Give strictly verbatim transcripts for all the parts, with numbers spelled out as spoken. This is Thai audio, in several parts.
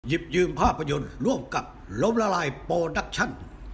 หยิบยืมภาพยนตร์ร่วมกับล้มละลายโปรดักชั่น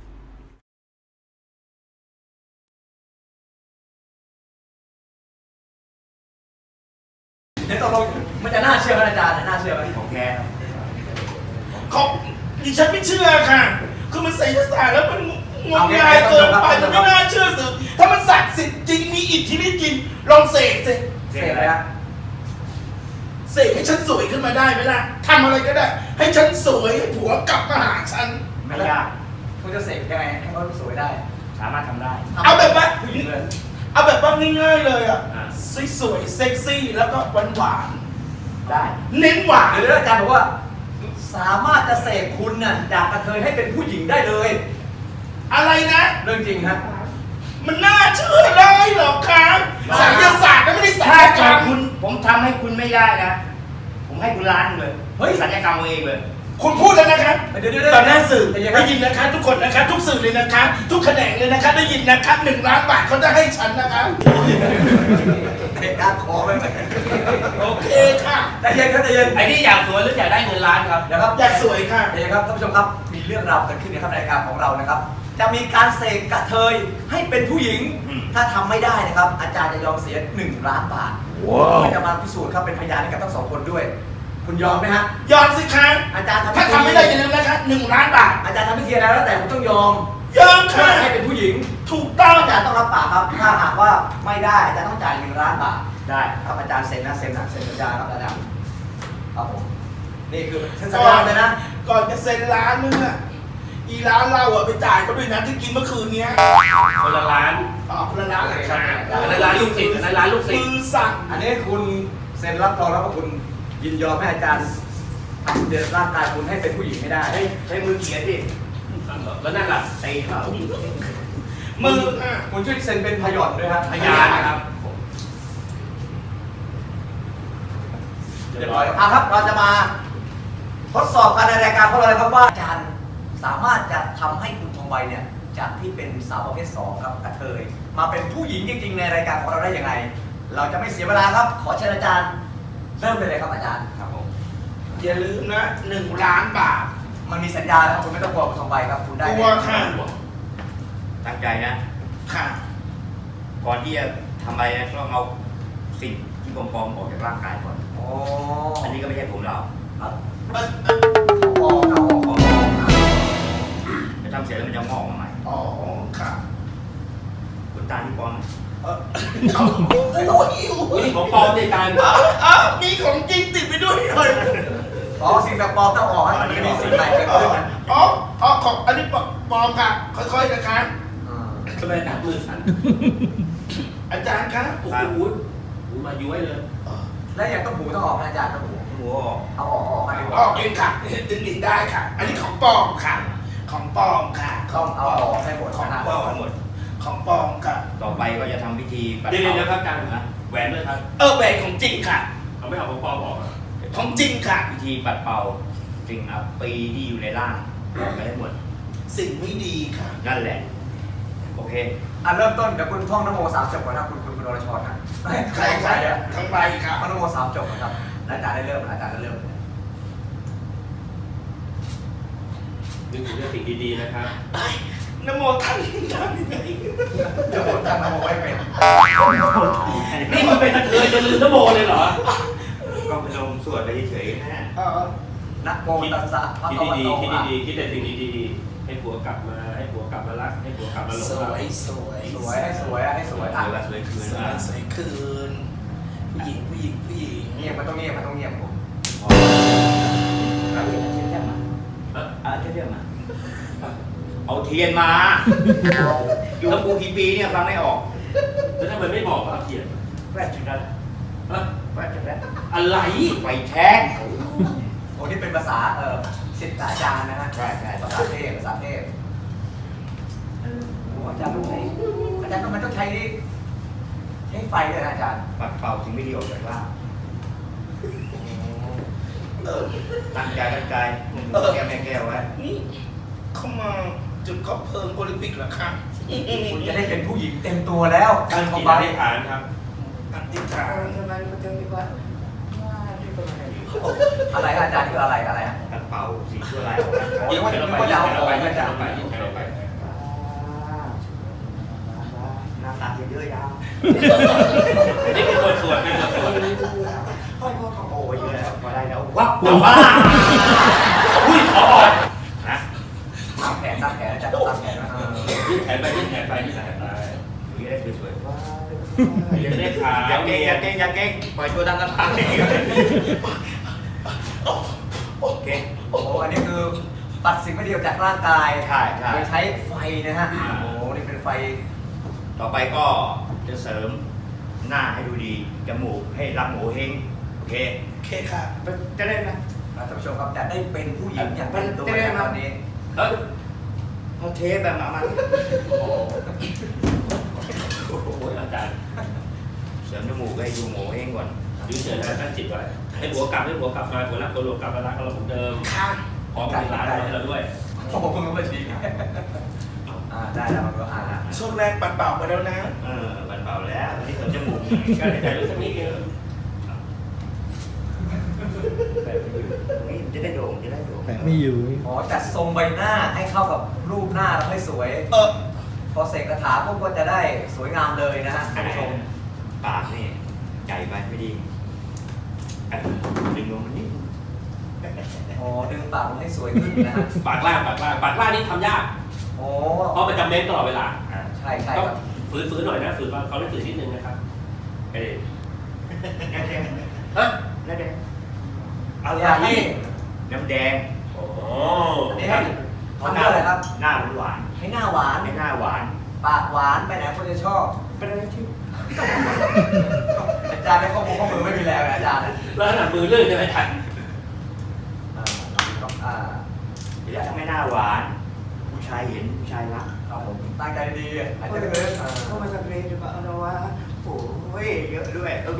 เดี๋ยวตกลงมันจะน่าเชื่อไหมอาจารย์น่าเชื่อไหมของแท้ของดิฉันไม่เชื่อค่ะ คือมันไสยศาสตร์แล้วมันงมงายเกินไปมันไม่น่าเชื่อสือถ้ามันศักดิ์สิทธิ์จริงมีอิทธิฤทธิ์จริงลองเสกสิเสกอะไรฮะเสกให้ฉันสวยขึ้นมาได้ไหมล่ะทำอะไรก็ได้ให้ฉันสวยให้ผัวกลับมาหาฉันไม่ยากคุณจะเสกยังไงให้เขาสวยได้สามารถทำได้เอาแบบว่าเอาแบบว่าง่ายๆเลยอ่ะสวยๆเซ็กซี่แล้วก็หวานๆได้เน้นหวานเดี๋ยวอาจารย์บอกว่าสามารถจะเสกคุณน่ะจากกระเทยให้เป็นผู้หญิงได้เลยอะไรนะเรื่องจริงฮะมันน่าเชื่อได้หรอครับไสยศาสตร์ก็ไม่ได้ศัลยกรรมคุณผมทำให้คุณไม่ได้นะผมให้คุณล้านเลยเฮ้ยศัลยกรรมเองเลยคุณพูดแล้วนะครับตอนหน้าสื่อได้ยินนะคะทุกคนนะคะทุกสื่อเลยนะคะทุกแขนงเลยนะคะได้ยินนะคะหนึ่งล้านบาทเขาจะให้ฉันนะคะเด็กการขอไปไหมโอเคค่ะใจเย็นครับใจเย็นไอ้นี่อยากสวยหรืออยากได้เงินล้านครับนะครับอยากสวยค่ะใจเย็นครับท่านผู้ชมครับมีเรื่องราวเกิดขึ้นในรายการของเรานะครับจะมีการเสกกระเทยให้เป็นผู้หญิงถ้าทำไม่ได้นะครับอาจารย์จะยอมเสียหนึ่งล้านบาทเพื่อจะมาพิสูจน์ครับเป็นพยานให้กับทั้งสองคนด้วยคุณยอมไหมฮะยอมสิครับอาจารย์ถ้าทำไม่ได้อย่าลืมนะครับหนึ่งล้านบาทอาจารย์ทำพิธีอะไรแล้วแต่ผมต้องยอมยอมค่ะให้เป็นผู้หญิงถูกต้องอาจารย์ต้องรับปากครับถ้าหากว่าไม่ได้อาจารย์ต้องจ่ายหนึ่งล้านบาทได้ครับอาจารย์เซ็นนะเซ็นนะเซ็นสัญญาครับอาจารย์ครับผมนี่คือเซ็นสัญญาเลยนะก่อนจะเซ็นล้านนึงอ่ะอีร้านเราอ่ะไปจ่ายเขาด้วยนะที่กินเมื่อคืนนี้คนละล้านอ๋อคนละล้านเลยครับคนละล้านลูกศิษย์คนละล้านลูกศิษย์มือสั่งอันนี้คุณเซ็นรับรองแล้วว่าคุณยินยอมให้อาจารย์ทำเดินร่างกายคุณให้เป็นผู้หญิงไม่ได้ใช้มือเขียนดิแล้วนั่นล่ะไอ้เขามือคุณช่วยเซ็นเป็นพยานด้วยครับพยานนะครับเรียบร้อยอ่ะครับเราจะมาทดสอบกันในรายการของเราเลยครับว่าอาจารย์สามารถจะทำให้คุณทองใบเนี่ยจากที่เป็นสาวประเภทสองครับกระเทยมาเป็นผู้หญิงจริงๆในรายการของเราได้ยังไงเราจะไม่เสียเวลาครับขอเชิญอาจารย์เริ่มเลยครับอาจารย์ครับผมอย่าลืมนะหนึ่งล้านบาทมันมีสัญญาแล้วคุณไม่ต้องกลัวคุณทองใบครับคุณได้กลัวค่ะตั้งใจนะค่ะก่อนที่จะทำอะไรนะต้องเอาสิ่งที่ปลอมๆออกจากร่างกายก่อนอ๋ออันนี้ก็ไม่ใช่ผมเราปอเอาออกจะทำเสร็จแล้วมันจะงอกมาใหม่อ๋อค่ะขนตาที่ปลอมเออโอ้ยโอ้ยของปลอมในการอ้าวมีของจริงติดไปด้วยเลยอ๋อสิ่งแบบปลอมต้องออกให้มันมีสิ่งใหม่เกิดขึ้นอ๋ออ๋อของอันนี้ปลอมค่ะค่อยๆนะคะทำไมหนักมือสั่นอาจารย์คะโอ้โหหูมาย้วยเลยแล้วอย่างต้องหูต้องออกอาจารย์ต้องหูหูออกเอาออกออกอันนี้ออกเองค่ะดึงดินได้ค่ะ อันนี้ของปลอมค่ะของปลอมค่ะต้องเอาออกให้หมดของปลอมหมดของปลอมค่ะต่อไปก็จะทำพิธีปัดเป่าเดี๋ยวนะครับอาจารย์นะแหวนด้วยครับเออแหวนของจริงค่ะเอาไม่เอาของปลอมออกของจริงค่ะพิธีปัดเป่าสิ่งอัปปีที่อยู่ในร่างออกไปให้หมดสิ่งไม่ดีค่ะนั่นแหละโอเคอ่ะเริ่มต้นเดี๋ยวคุณท่องนโมสามจบก่อนนะคุณคุณคุณอรชรนะใครใครอ่ะทั้งใบครับนโมสามจบนะครับอาจารย์ได้เริ่มอาจารย์ได้เริ่มนึกถึงเรื่องสิ่งดีๆนะครับนโมท่านทำยังไงนโมท่านนโมไว้เป็นนี่มันเป็นกระเทยจะลืมนโมเลยเหรอก็พนมสวดไปเฉยๆนะนะโมตัสสะคิดดีๆคิดดีๆคิดแต่สิ่งดีๆให้ผัวกลับมาให้ผัวกลับมารักให้ผัวกลับมาหลงสวยสวยสวยให้สวยให้สวยอ่ะสวยคืนสวยคืนผู้หญิงผู้หญิงผู้หญิงเงียบมันต้องเงียบมันต้องเงียบผมเอาเทียนเทียนมาเอาเทียนมาเอาเทียนมาอยู่กับกูกี่ปีเนี่ยฟังไม่ออกแล้วทำไมไม่บอกว่าเทียนแวดชัดแวดชัดอะไรไฟแช็กโอ้นี่เป็นภาษาเออศิษย์อาจารย์นะฮะใช่ใช่ภาษาเทพภาษาเทพโอ้อาจารย์ต้องใช้อาจารย์ทำไมต้องใช้ใช้ไฟด้วยนะอาจารย์ปัดเป่าสิ่งไม่ดีออกจากร่างตั้งใจตั้งใจแก้วแม่แก้วไว้นี่เข้ามาจุดคบเพลิงโอลิมปิกเหรอครับคุณจะได้เป็นผู้หญิงเต็มตัวแล้วการกินอธิษฐานครับอธิษฐานอะไรอาจารย์คืออะไรอะไรอ่ะปเป่าสิ่งชั่วร้ายออกนะโอ้ยยิ่งว่าแขนจะเราไปว่ายิ่จะงเอาแขนขเราองไปมายิ่งแขจากนเราไปยิ่งแขนเราไปน้ำตาเยอะยาวนี่เป็นตัวส่วนเป็นตัวส่วนพ่อพ่อขอโอ้ยเยอะแล้วพอได้แล้ววับแต่ว่าอุ้ยขออ่อนนะตามแผนตามแผนอาจารย์ตามแผนนะเออยิ่งแขนไปยิ่งแขนไปยิ่งแขนไปอย่างนี้ได้สวยๆว้าวอย่าได้ขาวอย่าเก่งอย่าเก่งอย่าเก่งปล่อยตัวดังกันไปโอเคโอ้โหอันนี้คือปัดสิ่งไม่ดีออกจากร่างกายใช่ใช่โดยใช้ไฟนะฮะ โอ้โห นี่เป็นไฟต่อไปก็จะเสริมหน้าให้ดูดี จมูกให้รับหมูเฮงโอเคโอเคค่ะจะได้ไหมท่านผู้ชมครับจะได้เป็นผู้หญิงอย่างเป็นตัวในตอนนี้เฮ้ยเอาเทปแบบมามาโอ้โหอาจารย์เสริมจมูกให้ดูหมูเฮงก่อนยืนเฉยนะตั้งจิตไว้ให้หัวกลับให้หัวกลับมาหัวรักตัวหลวกลับมารักเราเหมือนเดิมค่ะพร้อมเป็นร้านให้เราด้วยโอ้โหคุณรู้มาทีอ่าได้แล้วมันก็อ่าช่วงแรกปัดเป่าไปแล้วนะเออบันเบาแล้วตอนนี้เสริมจมูกก็หายใจรู้สักนิดนึงนี่จะได้โด่งจะได้โด่งแต่ไม่อยู่อ๋อจัดทรงใบหน้าให้เข้ากับรูปหน้าแล้วให้สวยเออพอเสกคาถาพวกก็จะได้สวยงามเลยนะฮะท่านผู้ชมปากนี่ใหญ่ไปไม่ดีเออดึงลงมันนิดอ๋อดึงปากมันให้สวยขึ้นนะฮะปากล่างปากล่างปากล่างนี่ทำยากโอ้เพราะมันจะเม้นตลอดเวลาอ่ะใช่ใช่ก็ครับฝืนๆหน่อยนะฝืนเขาได้ฝืนนิดนึงนะครับเอ้ยน้ำแดงเฮ้ยน้ำแดงเอาอย่างนี้น้ำแดงโอ้อันนี้ให้ทำเพื่ออะไรครับหน้าหวานให้หน้าหวานให้หน้าหวานปากหวานไปไหนคนจะชอบเป็นอะไรที่อาจารย์ในข้อมือข้อมือไม่มีแรงนะอาจารย์นะแล้วขนาดมือลื่นจะไม่ทันอ่าอ่าเดี๋ยวทำให้หน้าหวาน ผู้ชายเห็นผู้ชายรักครับผมตั้งใจดีๆหายใจลึกๆอ่าเข้ามาสักเรนจะมาเอาหน่อยวะโอ้ยเยอะด้วยเออ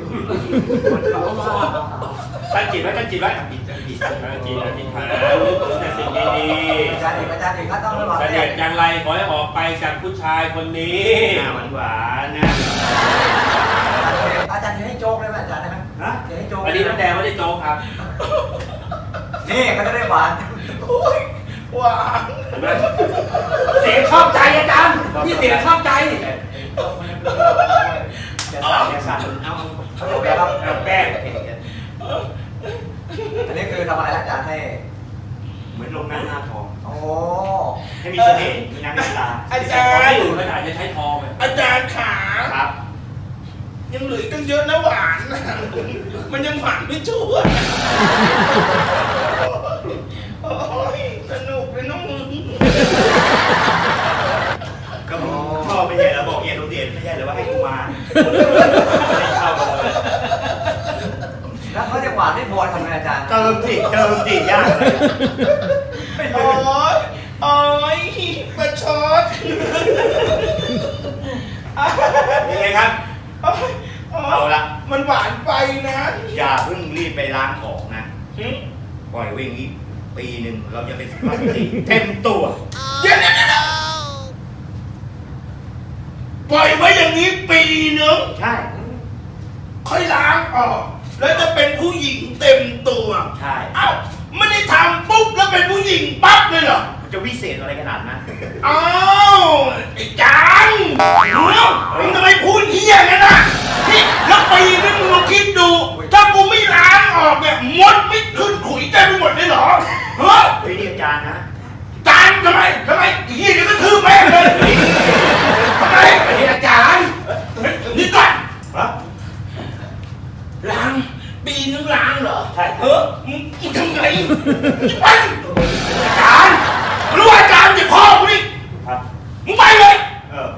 ตั้งจิตไว้ตั้งจิตไว้ตั้งจิตตั้งจิตตั้งจิตตั้งจิตหาลึกถึงแต่สิ่งดีอาจารย์เอกอาจารย์เอกก็ต้องระวังๆเสเนี่ด็ยจอย่างไรขอให้ออกไปจากผู้ชายคนนี้หน้าหวานหวานๆนะอาจารย์จะให้โจ๊กได้ไหมอาจารย์ได้ไหมฮะจะให้โจ๊กอันนี้น้ำแดงไม่ได้โจ๊กครับนี่เขาจะได้หวานโอ้ยหวานเห็นไหมเสียงชอบใจอาจารย์นี่เสียงชอบใจจะเอาสั่นอย่าสั่นเอาเขาจะแปลครับเอาแป้งอันนี้คือทำอะไรอาจารย์ให้เหมือนลงน้ำหน้าทองโอ้ให้มีเสน่ห์มีน้ำมีตาอาใช้จาทองรไม่ย์อยู่ขนาดจะใช้ทองเลยอาจารย์ขาครับยังเหลืออีกตั้งเยอะนะหวานนะมันยังหวานไม่ชั่วโอ้ยสนุกเลยน้องมึงก็มึงชอบไม่ใช่เหรอบอกเอียนโรงเรียนไม่ใช่เหรอว่าให้กูมาไม่ได้เข้ามาเลยแล้วเขาจะหวานไม่พอทำไงอาจารย์เติมสิเติมสิยากเลยโอ้ยโอ้ยประชดยังไงครับโอ๊ยโยเอาละมันหวานไปนะอย่าเพิ่งรีบไปล้างออกนะหึปล่อยไว้อย่างนี้ปีหนึ่งเราจะเป็นสุภาพสตรีเต็มตัวเดี๋ยวเดี๋ยวเดี๋ยวปล่อยไว้อย่างนี้ปีหนึงใช่ค่อยล้างออก แล้วจะเป็นผู้หญิงเต็มตัวใช่เอ้าไม่ได้ทำปุ๊บแล้วเป็นผู้หญิงปั๊บเลยเหรอมันจะวิเศษอะไรขนาดนั้นอ้าวไอ้จังเดี๋ยวมึงทำไมพูดเฮี้ยงั้นน่ะนี่แล้วปีนึงมึงลองคิดดู ถ้ากูไม่ล้างออกเนี่ยมดไม่ขึ้นขุยเต็มไปหมดเลยเหรอเฮ้ยเฮ้ยนี่อาจารย์นะจานทำไมทำไมไอ้เฮี้ยเดี๋ยวก็ทืบแม่งเลยทำไมอันนี้อาจารย์นี่ก่อนฮะล้างปีนึงล้างเหรอใช่เออมึงมึงทำไงจะไปอาจารย์รู้อาจารย์จะพ่อกูนี่ครับมึงไปเลยเออ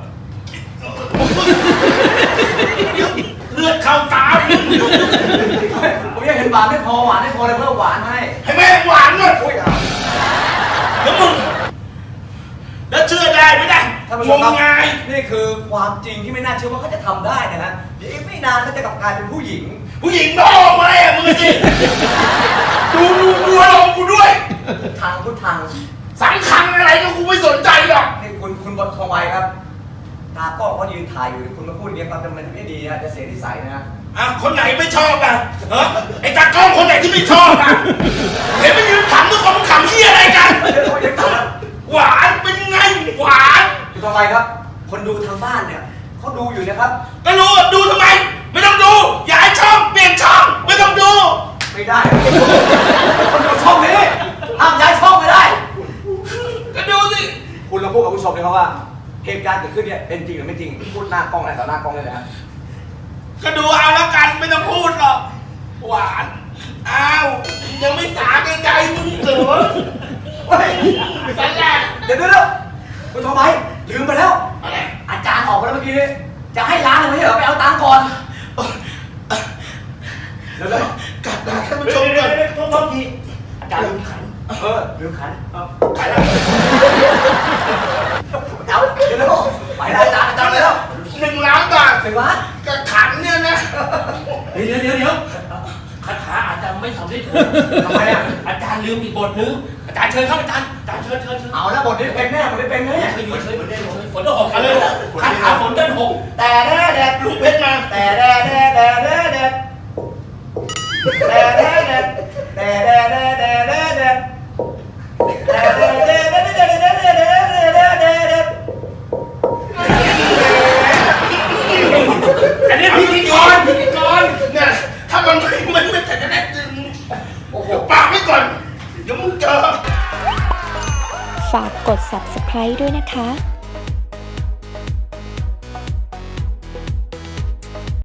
เลือดเข้าตามึงผมยังเห็นหวานไม่พอหวานไม่พอเลยเพิ่มหวานให้ให้แม่งหวานหน่อยอุ้ยเอาแล้วมึงแล้วเชื่อได้ไหมได้ท่านผู้งชมมครับงายนี่คือความจริงที่ไม่น่าเชื่อว่าเขาจะทำได้นะฮะเดี๋ยวอีกไม่นานเขาจะกลับกลายเป็นผู้หญิงผู้หญิงนอกมาอ่ะมึงสิดูดูดูอารมณ์กูด้วยทางพุทธังสังคังอะไรก็กูไม่สนใจหรอกนี่คุณคุณบททองใบครับ ตากล้องเขายืนถ่ายอยู่คุณมาพูดอย่างนี้ความจำเป็นไม่ดีนะจะเสียนิสัยนะฮะอ่ะคนไหนไม่ชอบอ่ะเออไอ้ตากล้องคนไหนที่ไม่ชอบอ่ะเห็นมันยืนขำทุกคนมันขไมครับ คนดูทางบ้านเนี่ยเขาดูอยู่นะครับก็รู้ว่าดูทำไม ไม่ต้องดูย้ายช่องเปลี่ยนช่องไม่ต้องดูไม่ได้ คนดูช่องนี้ห้ามย้ายช่องไม่ได้ก็ดูสิคุณลองพูดกับผู้ชมเลยครับว่าเหตุการณ์เกิดขึ้นเนี่ยเป็นจริงหรือไม่จริงพูดหน้ากล้องอะไรต่อหน้ากล้องเลยนะก็ดูเอาแล้วกันไม่ต้องพูดหรอกหวานอ้าวยังไม่สาแก่ใจมึงเหรอเฮ้ยสันแรกเดี๋ยวเดี๋ยวเดี๋ยวคุณทำไมลืมไปแล้วอะไรอาจารย์ออกมาแล้วเมื่อกี้นี้จะให้ร้านเลยไม่ใช่เหรอไปเอาตังค์ก่อนเดี๋ยวเดี๋ยวกลับมาท่านผู้ชมก่อนโทษทีอาจารย์ลืมขันเออลืมขันเอาไปแล้วเอาเดี๋ยวเดี๋ยวไปแล้วอาจารย์อาจารย์ไปแล้วหนึ่งล้านบาทถึงร้านกระขันเนี่ยนะเดี๋ยวเดี๋ยวเดี๋ยวคาถาอาจารย์ไม่สำเร็จผลทำไมอ่ะอาจารย์ลืมอีกบทนึงอาจารย์เชิญครับอาจารย์อาจารย์เชิญเชิญเชิญเอาแล้วบทนี้เป็นแน่บทนี้เป็นแน่เชิญอยู่เชิญเหมือนเดิมเชิญฝนจะหกกันเลยคาถาฝนจะหกแต่แด่แดดลูกเพชรมาแต่แด่แดดแด่แดดแดดแต่แด่แดดแต่แด่แดดแด่แดดแดดแต่แด่แดดแด่แดดแด่แดดแด่แดดแด่แดดแด่แดดแด่แดดอันนี้พิธีกรพิธีกรเนี่ยถ้ามันไม่มันไม่แต่จะได้ดึงโอ้โหปากไว้ก่อน เดี๋ยวมึงเจอฝากกด ซับสไครบ์ ด้วยนะคะ